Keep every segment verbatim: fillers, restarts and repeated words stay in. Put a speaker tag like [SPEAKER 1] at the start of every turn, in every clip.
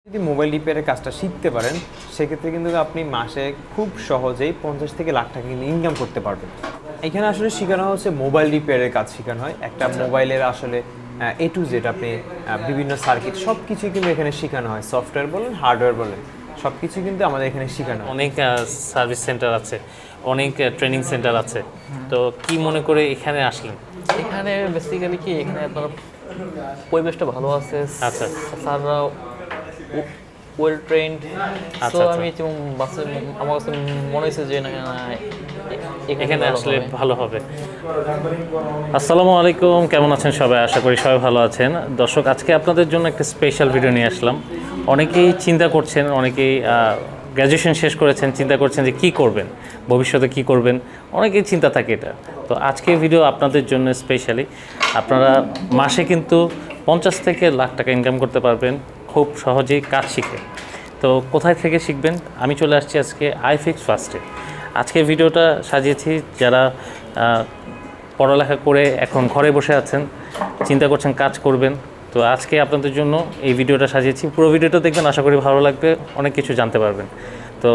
[SPEAKER 1] যদি মোবাইল রিপেয়ারের কাজটা শিখতে পারেন সেক্ষেত্রে কিন্তু আপনি মাসে খুব সহজেই পঞ্চাশ থেকে লাখ টাকা কিন্তু ইনকাম করতে পারবেন। এখানে আসলে শেখানো হচ্ছে মোবাইল রিপেয়ারের কাজ শেখানো হয়। একটা মোবাইলের আসলে এ টু জেড আপনি বিভিন্ন সার্কিট সব কিছুই কিন্তু এখানে শেখানো হয়। সফটওয়্যার বলেন, হার্ডওয়্যার বলেন, সব কিছু কিন্তু আমাদের এখানে শেখানো হয়।
[SPEAKER 2] অনেক সার্ভিস সেন্টার আছে, অনেক ট্রেনিং সেন্টার আছে, তো কি মনে করে এখানে আসলেন?
[SPEAKER 3] এখানে বেসিক্যালি কি এখানে আপনার পরিবেশটা ভালো আছে।
[SPEAKER 2] আচ্ছা,
[SPEAKER 3] স্যাররা ওয়েল ট্রেন্ড।
[SPEAKER 2] আচ্ছা,
[SPEAKER 3] তো আমি যেমন বাসে আমার কাছে মনে হয়েছে যে না
[SPEAKER 2] এখানে আসলে ভালো হবে। আসসালামু আলাইকুম, কেমন আছেন সবাই? আশা করি সবাই ভালো আছেন। দর্শক, আজকে আপনাদের জন্য একটা স্পেশাল ভিডিও নিয়ে আসলাম। অনেকেই চিন্তা করছেন, অনেকেই গ্র্যাজুয়েশন শেষ করেছেন, চিন্তা করছেন যে কী করবেন, ভবিষ্যতে কী করবেন, অনেকেই চিন্তা থাকে এটা। তো আজকে ভিডিও আপনাদের জন্য স্পেশালি। আপনারা মাসে কিন্তু পঞ্চাশ থেকে লাখ টাকা ইনকাম করতে পারবেন খুব সহজেই কাজ শিখে। তো কোথায় থেকে শিখবেন? আমি চলে আসছি আজকে আইফিক্স ফার্স্টে। আজকে ভিডিওটা সাজিয়েছি যারা পড়ালেখা করে এখন ঘরে বসে আছেন, চিন্তা করছেন কাজ করবেন। তো আজকে আপনাদের জন্য এই ভিডিওটা সাজিয়েছি। পুরো ভিডিওটা দেখবেন, আশা করি ভালো লাগবে, অনেক কিছু জানতে পারবেন। তো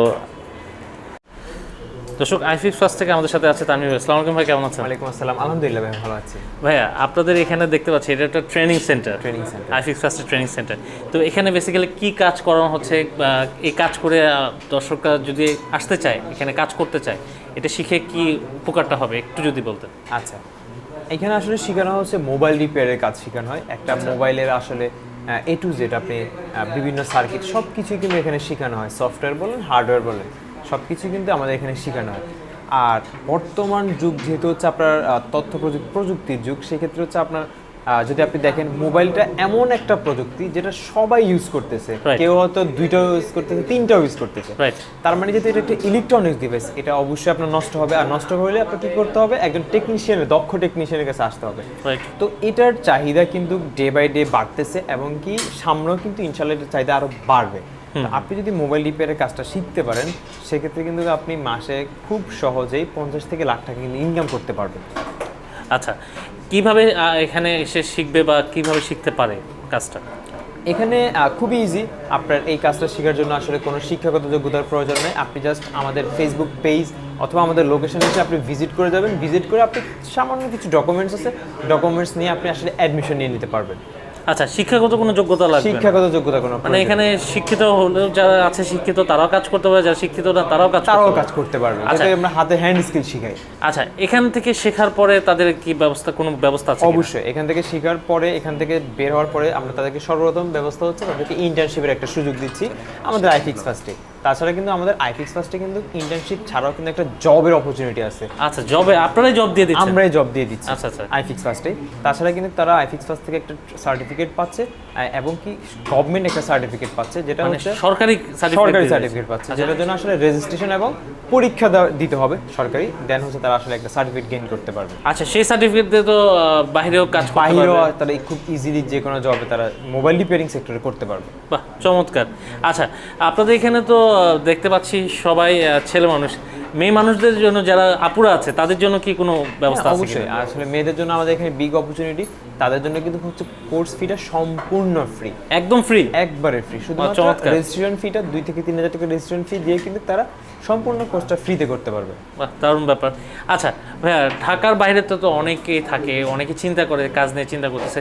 [SPEAKER 2] দর্শক, আইফিক্স ফার্স্ট থেকে আমাদের সাথে আছে তানভীর ভাই। আসসালামু আলাইকুম ভাই, কেমন আছেন?
[SPEAKER 1] ওয়ালাইকুম আসসালাম, আলহামদুলিল্লাহ ভাই, ভালো আছি।
[SPEAKER 2] ভাইয়া, আপনাদের এখানে দেখতে পাচ্ছি এটা একটা training centre,
[SPEAKER 1] training centre,
[SPEAKER 2] iFix ফার্স্টের ট্রেনিং সেন্টার। তো এখানে বেসিক্যালি কি কাজ করানো হচ্ছে? এই কাজ করে দর্শকরা যদি আসতে চায়, এখানে কাজ করতে চায়, এটা শিখে কি উপকারটা হবে একটু যদি বলতেন।
[SPEAKER 1] আচ্ছা, এখানে আসলে শেখানো হচ্ছে মোবাইল রিপেয়ারের কাজ শেখানো হয়। একটা মোবাইলের আসলে এ টু জেড আপনি বিভিন্ন সার্কিট সব কিছুই কিন্তু এখানে শেখানো হয়। সফটওয়্যার বলেন, হার্ডওয়্যার বলেন, সব কিছুই কিন্তু আমাদের এখানে শেখানো হয়। আর বর্তমান যুগ যেহেতু হচ্ছে আপনার তথ্য প্রযুক্তি প্রযুক্তির যুগ, সেক্ষেত্রে হচ্ছে আপনার যদি আপনি দেখেন মোবাইলটা এমন একটা প্রযুক্তি যেটা সবাই ইউজ করতেছে। কেউ হয়তো দুইটাও ইউজ করতেছে, তিনটাও ইউজ করতেছে। তার মানে যেহেতু এটা একটা ইলেকট্রনিক্স ডিভাইস, এটা অবশ্যই আপনার নষ্ট হবে। আর নষ্ট হলে আপনার কী করতে হবে? একজন টেকনিশিয়ানের, দক্ষ টেকনিশিয়ানের কাছে আসতে হবে। তো এটার চাহিদা কিন্তু ডে বাই ডে বাড়তেছে, এবং কি সামনেও কিন্তু ইনশাল্লাহ এটার চাহিদা আরও বাড়বে। আপনি যদি মোবাইল রিপেয়ারের কাজটা শিখতে পারেন সেক্ষেত্রে কিন্তু আপনি মাসে খুব সহজেই পঞ্চাশ থেকে লাখ টাকা কিন্তু ইনকাম করতে পারবেন।
[SPEAKER 2] আচ্ছা, কিভাবে এখানে এসে শিখবে বা কিভাবে শিখতে পারে কাজটা?
[SPEAKER 1] এখানে খুবই ইজি। আপনার এই কাজটা শেখার জন্য আসলে কোনো শিক্ষাগত যোগ্যতার প্রয়োজন নেই। আপনি জাস্ট আমাদের ফেসবুক পেজ অথবা আমাদের লোকেশনে এসে আপনি ভিজিট করে যাবেন। ভিজিট করে আপনি সামান্য কিছু ডকুমেন্টস আছে, ডকুমেন্টস নিয়ে আপনি আসলে অ্যাডমিশন নিয়ে নিতে পারবেন।
[SPEAKER 2] আচ্ছা, শিক্ষাগত কোনো যোগ্যতা লাগবে?
[SPEAKER 1] শিক্ষাগত যোগ্যতা কোনো
[SPEAKER 2] মানে এখানে শিক্ষিত হলেও যারা আছে শিক্ষিত তারাও কাজ করতে পারে, যারা শিক্ষিত না তারাও কাজ
[SPEAKER 1] তারাও কাজ করতে পারবে। আচ্ছা, আমরা হাতে হ্যান্ড স্কিল শিখাই।
[SPEAKER 2] আচ্ছা, এখান থেকে শেখার পরে তাদের কি ব্যবস্থা, কোনো ব্যবস্থা আছে?
[SPEAKER 1] অবশ্যই, এখান থেকে শেখার পরে, এখান থেকে বের হওয়ার পরে আমরা তাদেরকে সর্বপ্রথম ব্যবস্থা হচ্ছে তাদেরকে ইন্টার্নশিপের একটা সুযোগ দিচ্ছি আমাদের আইফিক্স ফার্স্টে। তাছাড়া কিন্তু আমাদের আইফিক্স ফার্স্টে কিন্তু ইন্টার্নশিপ ছাড়াও কিন্তু একটা জবের অপরচুনিটি আছে।
[SPEAKER 2] আচ্ছা, জবে আপনারাই জব দিয়ে দিচ্ছেন?
[SPEAKER 1] আমরাই জব দিয়ে দিচ্ছি।
[SPEAKER 2] আচ্ছা আচ্ছা,
[SPEAKER 1] আইফিক্স ফার্স্টে। তাছাড়া কিন্তু তারা আইফিক্স ফার্স্ট থেকে একটা সার্টিফিকেট পাচ্ছে, এবং কি গভর্নমেন্ট একটা সার্টিফিকেট পাচ্ছে, যেটা হচ্ছে
[SPEAKER 2] সরকারি
[SPEAKER 1] সরকারি সার্টিফিকেট পাচ্ছে, যেটার জন্য আসলে রেজিস্ট্রেশন এবং পরীক্ষা দিতে হবে সরকারি, দেন হচ্ছে তারা আসলে একটা সার্টিফিকেট গেইন করতে পারবে।
[SPEAKER 2] আচ্ছা, সেই সার্টিফিকেট দিয়ে তো বাইরেও কাজ করতে পারবে?
[SPEAKER 1] বাইরেও তারা খুব ইজিলি যে কোনো জবে তারা মোবাইল রিপেয়ারিং সেক্টরে করতে পারবে।
[SPEAKER 2] বাহ, চমৎকার। আচ্ছা, আপনাদের এখানে তো দেখতে পাচ্ছি সবাই ছেলে মানুষ, মেয়ে মানুষদের জন্য যারা আপুরা আছে তাদের জন্য কি কোনো ব্যবস্থা আছে?
[SPEAKER 1] অবশ্যই, আসলে মেয়েদের জন্য আমাদের এখানে বিগ অপরচুনিটি। তাদের জন্য কিন্তু হচ্ছে কোর্স ফিটা সম্পূর্ণ ফ্রি,
[SPEAKER 2] একদম ফ্রি,
[SPEAKER 1] একবারে ফ্রি। শুধুমাত্র রেজিস্ট্রেশন ফিটা দুই থেকে তিন হাজার টাকা রেজিস্ট্রেশন ফি দিয়ে কিন্তু তারা সম্পূর্ণ কোর্সটা ফ্রিতে করতে পারবে।
[SPEAKER 2] বাহ, দারুণ ব্যাপার। আচ্ছা ভাইয়া, ঢাকার বাইরে তো তো অনেকেই থাকে, অনেকে চিন্তা করে, কাজ নিয়ে চিন্তা করতেছে,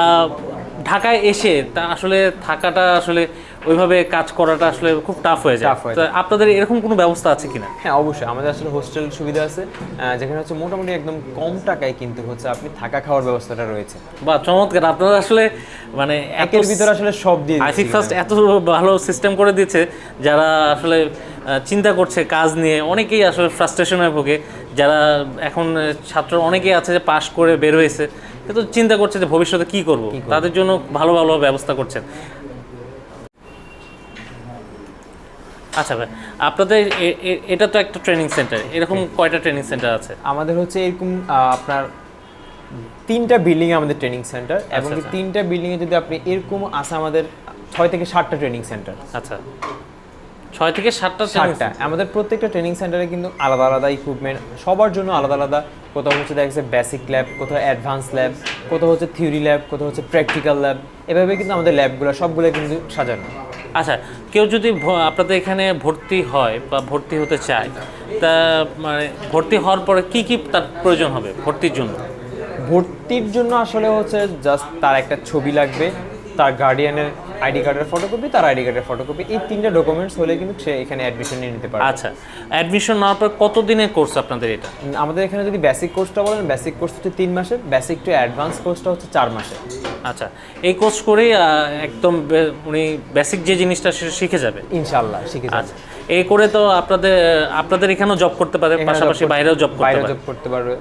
[SPEAKER 2] ঢাকায় এসে তা আসলে থাকাটা আসলে ওইভাবে কাজ করাটা আসলে খুব টাফ হয়ে যায়। তো আপনাদের এরকম কোনো ব্যবস্থা আছে কিনা?
[SPEAKER 1] হ্যাঁ, অবশ্যই আমাদের আসলে হোস্টেল সুবিধা আছে, যেখানে হচ্ছে মোটামুটি একদম কম টাকায় কিন্তু হচ্ছে আপনি থাকা খাওয়ার ব্যবস্থাটা রয়েছে।
[SPEAKER 2] বাহ, চমৎকার। আপনারা আসলে মানে
[SPEAKER 1] একের ভিতরে আসলে সব দিয়ে
[SPEAKER 2] আইফিক্স ফার্স্ট এত ভালো সিস্টেম করে দিয়েছে, যারা আসলে চিন্তা করছে কাজ নিয়ে, অনেকেই আসলে ফ্রাস্ট্রেশনে ভোগে, যারা এখন ছাত্র অনেকেই আছে যে পাশ করে বের হয়েছে কিন্তু চিন্তা করছে যে ভবিষ্যতে কি করব, তাদের জন্য ভালো ভালো ব্যবস্থা করছেন। আচ্ছা ভাই, আপনাদের এটা তো একটা ট্রেনিং সেন্টার, এরকম কয়টা ট্রেনিং সেন্টার আছে?
[SPEAKER 1] আমাদের হচ্ছে এরকম আপনার তিনটা বিল্ডিং এ আমাদের ট্রেনিং সেন্টার, এবং তিনটা বিল্ডিং এ যদি আপনি এরকম আছে আমাদের ছয় থেকে সাতটা ট্রেনিং সেন্টার।
[SPEAKER 2] আচ্ছা, ছয় থেকে সাতটা
[SPEAKER 1] সাতটা আমাদের প্রত্যেকটা ট্রেনিং সেন্টারে কিন্তু আলাদা আলাদা ইকুইপমেন্ট, সবার জন্য আলাদা আলাদা। কোথাও হচ্ছে দেখা যাচ্ছে বেসিক ল্যাব, কোথাও অ্যাডভান্স ল্যাব, কোথাও হচ্ছে থিওরি ল্যাব, কোথাও হচ্ছে প্র্যাকটিক্যাল ল্যাব। এভাবে কিন্তু আমাদের ল্যাবগুলো সবগুলো কিন্তু সাজানো।
[SPEAKER 2] আচ্ছা, কেউ যদি ভ- আপনাদের এখানে ভর্তি হয় বা ভর্তি হতে চায়, তা মানে ভর্তি হওয়ার পরে কি কি তার প্রয়োজন হবে ভর্তির জন্য?
[SPEAKER 1] ভর্তির জন্য আসলে হচ্ছে জাস্ট তার একটা ছবি লাগবে, তার গার্ডিয়ানের আইডি কার্ডের ফটোকপি, তার আইডি কার্ডের ফটোকপি, এই তিনটা ডকুমেন্টস হলে কিন্তু সে এখানে অ্যাডমিশন নিয়ে নিতে পারে।
[SPEAKER 2] আচ্ছা, অ্যাডমিশন নেওয়ার পর কত দিনের কোর্স আপনাদের এটা?
[SPEAKER 1] উম, আমাদের এখানে যদি বেসিক কোর্সটা বলেন, বেসিক কোর্স হচ্ছে তিন মাসের, বেসিক টু অ্যাডভান্স কোর্সটা হচ্ছে চার মাসের।
[SPEAKER 2] আচ্ছা, এই কোর্স করেই আহ, একদম বে- উনি বেসিক যে জিনিসটা সে শিখে যাবে।
[SPEAKER 1] ইনশাআল্লাহ শিখে যাবে।
[SPEAKER 2] আচ্ছা, এই করে তো আপনাদের আপনাদের এখানেও জব করতে পারে,
[SPEAKER 1] এখানে
[SPEAKER 2] পাশাপাশি
[SPEAKER 1] job করতে-
[SPEAKER 2] বাইরেও জব করতে
[SPEAKER 1] বাইরে
[SPEAKER 2] পারে।
[SPEAKER 1] জব করতে পারবে।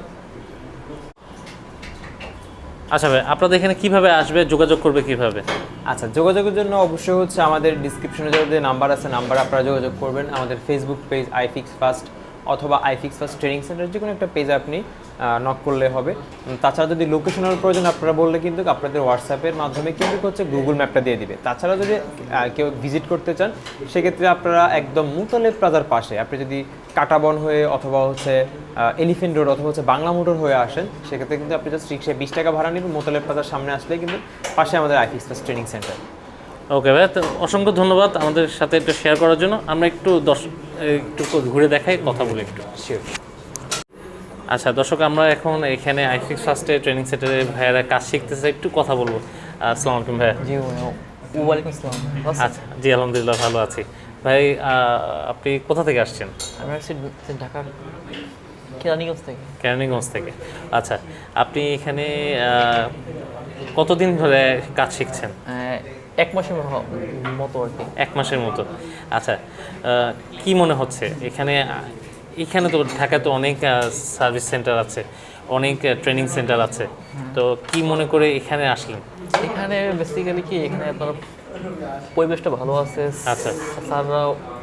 [SPEAKER 2] আচ্ছা ভাই, আপনাদের এখানে কিভাবে আসবে, যোগাযোগ করবে কিভাবে?
[SPEAKER 1] আচ্ছা, যোগাযোগের জন্য অবশ্যই হচ্ছে আমাদের ডিসক্রিপশনে যে নাম্বার আছে, নাম্বার আপনারা যোগাযোগ করবেন। আমাদের ফেসবুক পেজ আইফিক্স ফার্স্ট অথবা আইফিক্স ফার্স্ট ট্রেনিং সেন্টার, যে কোনো একটা পেজে আপনি নক করলে হবে। উম, তাছাড়া যদি লোকেশনের প্রয়োজন আপনারা বললে কিন্তু আপনাদের হোয়াটসঅ্যাপের মাধ্যমে কিন্তু হচ্ছে গুগল ম্যাপটা দিয়ে দিবে। তাছাড়া যদি আহ, কেউ ভিজিট করতে চান, সেক্ষেত্রে আপনারা একদম মুতালেব প্লাজার পাশে, আপনি যদি কাটাবন হয়ে অথবা হচ্ছে এলিফেন্ট রোড অথবা হচ্ছে বাংলা মোটর হয়ে আসেন, সেক্ষেত্রে কিন্তু আপনি জাস্ট রিক্সায় বিশ টাকা ভাড়া নেবেন, মুতালেব প্লাজার সামনে আসলে কিন্তু পাশে আমাদের iFix first training centre.
[SPEAKER 2] Okay ভাই, তো অসংখ্য ধন্যবাদ আমাদের সাথে একটু শেয়ার করার জন্য। আমরা একটু দশ একটু ঘুরে দেখাই, কথা বলি একটু।
[SPEAKER 1] শিওর।
[SPEAKER 2] আচ্ছা দর্শক, আমরা এখন এখানে আইফিক্স ফার্স্টে ট্রেনিং সেন্টারে ভাইয়ারা কাজ শিখতেছে, একটু কথা বলবো। আসসালামু আলাইকুম ভাইয়া।
[SPEAKER 3] জি ওয়ালাইকুম আসসালাম।
[SPEAKER 2] আচ্ছা, জি আলহামদুলিল্লাহ ভালো আছি। ভাই আহ, আপনি কোথা থেকে আসছেন?
[SPEAKER 3] আমি আসছি ঢাকার কেরানীগঞ্জ থেকে।
[SPEAKER 2] কেরানীগঞ্জ থেকে। আচ্ছা, আপনি এখানে আহ, কতদিন ধরে কাজ শিখছেন?
[SPEAKER 3] আহ, এক মাসের হ- মতো আর কি।
[SPEAKER 2] এক মাসের মতো। আচ্ছা, আহ, কি মনে হচ্ছে এখানে? এখানে তো ঢাকায় তো অনেক সার্ভিস সেন্টার আছে, অনেক ট্রেনিং সেন্টার আছে, তো কি মনে করে এখানে আসলেন?
[SPEAKER 3] এখানে বেসিক্যালি কি, এখানে আপনার পরিবেশটা ভালো আছে।
[SPEAKER 2] আচ্ছা।
[SPEAKER 3] স্যাররা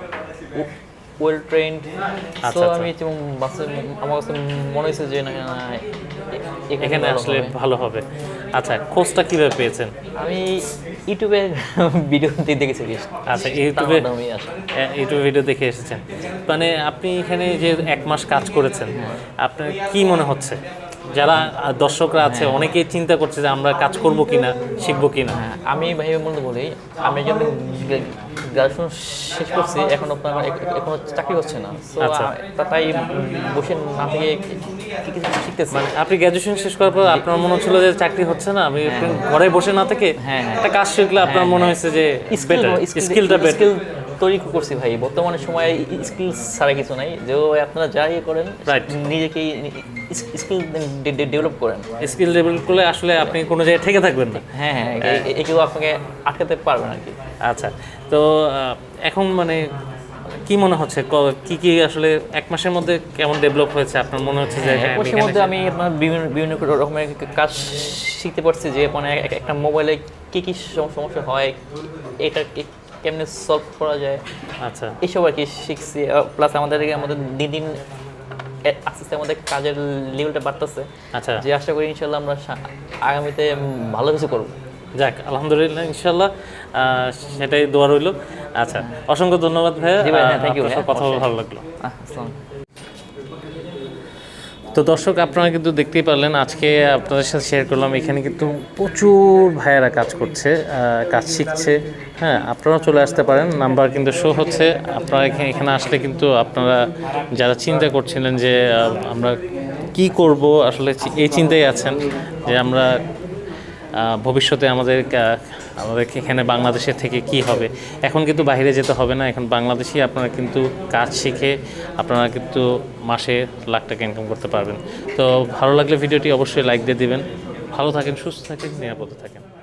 [SPEAKER 3] ওয়েল ট্রেন্ড।
[SPEAKER 2] আচ্ছা,
[SPEAKER 3] তো
[SPEAKER 2] আচ্ছা।
[SPEAKER 3] আমি যেমন বাসে আমার কাছে মনে হয়েছে যে না না, এ-
[SPEAKER 2] এখানে
[SPEAKER 3] ভালো
[SPEAKER 2] আসলে
[SPEAKER 3] হবে।
[SPEAKER 2] ভালো হবে। আচ্ছা, খোঁজটা কিভাবে পেয়েছেন?
[SPEAKER 3] আমি ইউটিউবে ভিডিও দেখেছি বেশ।
[SPEAKER 2] আচ্ছা, ইউটিউবে
[SPEAKER 3] তার মাধ্যমেই আসা।
[SPEAKER 2] এ- ইউটিউব ভিডিও দেখে এসেছেন। মানে আপনি এখানে যে এক মাস কাজ করেছেন, আপনার কি মনে হচ্ছে? যারা আহ, দর্শকরা আছে অনেকেই চিন্তা করছে যে আমরা কাজ করব কিনা, শিখবো কিনা।
[SPEAKER 3] হ্যাঁ, আমি ভাই বলতে বলি, আমি যখন গ্রাজুয়েশন শেষ করছি, এখন আপনার এখনো চাকরি হচ্ছে না। তো
[SPEAKER 2] আচ্ছা।
[SPEAKER 3] তাই বসে না থেকে কিছু শিখতেছি।
[SPEAKER 2] মানে আপনি গ্র্যাজুয়েশন শেষ করার পর আপনার মনে হচ্ছিল যে চাকরি হচ্ছে না, আমি একটু ঘরে বসে না থেকে
[SPEAKER 3] হ্যাঁ, হ্যাঁ।
[SPEAKER 2] একটা কাজ শিখলে আপনার মনে হয়েছে যে বেটার, স্কিলটা বেটার।
[SPEAKER 3] স্কিল তৈরি করছি ভাই। বর্তমানে সময়ে স্কিল ছাড়া কিছু নাই। যে আপনারা যা ইয়ে করেন,
[SPEAKER 2] Right.
[SPEAKER 3] নিজেকে স্কিল ডেভেলপ করেন।
[SPEAKER 2] স্কিল ডেভেলপ করলে আসলে আপনি কোনো জায়গায় ঠেকে থাকবেন না।
[SPEAKER 3] হ্যাঁ হ্যাঁ, এ- এ- কেউ আপনাকে আটকাতে পারবে না আর কি।
[SPEAKER 2] আচ্ছা, তো আহ, এখন মানে কি মনে হচ্ছে, ক- কি কি আসলে এক মাসের মধ্যে কেমন ডেভেলপ হয়েছে আপনার মনে হচ্ছে যে
[SPEAKER 3] হ্যাঁ,
[SPEAKER 2] হ্যাঁ,
[SPEAKER 3] এক
[SPEAKER 2] আমি
[SPEAKER 3] মাসের
[SPEAKER 2] এখানে
[SPEAKER 3] মধ্যে আমি আপনার বিভিন্ন বিভিন্ন রকমের কাজ শিখতে পারছি। যে মানে এক- একটা মোবাইলে কী কী সম- সমস্যা হয়, এটা কে- কেমনে সলভ করা যায়,
[SPEAKER 2] আচ্ছা
[SPEAKER 3] এইসব আর কি শিখছি। প্লাস আমাদের আমাদের দিন দিন এ- আস্তে আস্তে আমাদের কাজের লেভেলটা বাড়তেছে।
[SPEAKER 2] আচ্ছা
[SPEAKER 3] যে আশা করি ইনশাল্লাহ আমরা সা- আগামীতে উম, ভালো কিছু করবো।
[SPEAKER 2] যাক আলহামদুলিল্লাহ, ইনশাল্লাহ আহ, সেটাই দোয়া রইল। আচ্ছা, অসংখ্য ধন্যবাদ ভাইয়া,
[SPEAKER 3] জি ভাই, হ্যাঁ,
[SPEAKER 2] আহ,
[SPEAKER 3] thank you
[SPEAKER 2] আপনার সাথে
[SPEAKER 3] ভাইয়া,
[SPEAKER 2] কথা বলে
[SPEAKER 3] অবশ্যই।
[SPEAKER 2] ভালো লাগলো।
[SPEAKER 3] আহ, আসসালাম।
[SPEAKER 2] তো দর্শক, আপনারা কিন্তু দেখতেই পারলেন, আজকে আপনাদের সাথে শেয়ার করলাম এখানে কিন্তু প্রচুর ভাইয়েরা কাজ করছে, আহ, কাজ শিখছে। হ্যাঁ, আপনারাও চলে আসতে পারেন, নাম্বার কিন্তু শো হচ্ছে। আপনারা এখানে এখানে আসলে কিন্তু আপনারা যারা চিন্তা করছিলেন যে আহ, আমরা কি করব, আসলে চি- এই চিন্তায় আছেন যে আমরা আহ, ভবিষ্যতে আমাদের কা- আমাদের এখানে বাংলাদেশে থেকে কি হবে। এখন কিন্তু বাইরে যেতে হবে না, এখন বাংলাদেশেই আপনারা কিন্তু কাজ শিখে আপনারা কিন্তু মাসে লাখ টাকা ইনকাম করতে পারবেন। তো ভালো লাগলে ভিডিওটি অবশ্যই লাইক দিয়ে দিবেন। ভালো থাকেন, সুস্থ থাকেন, নিরাপদে থাকেন।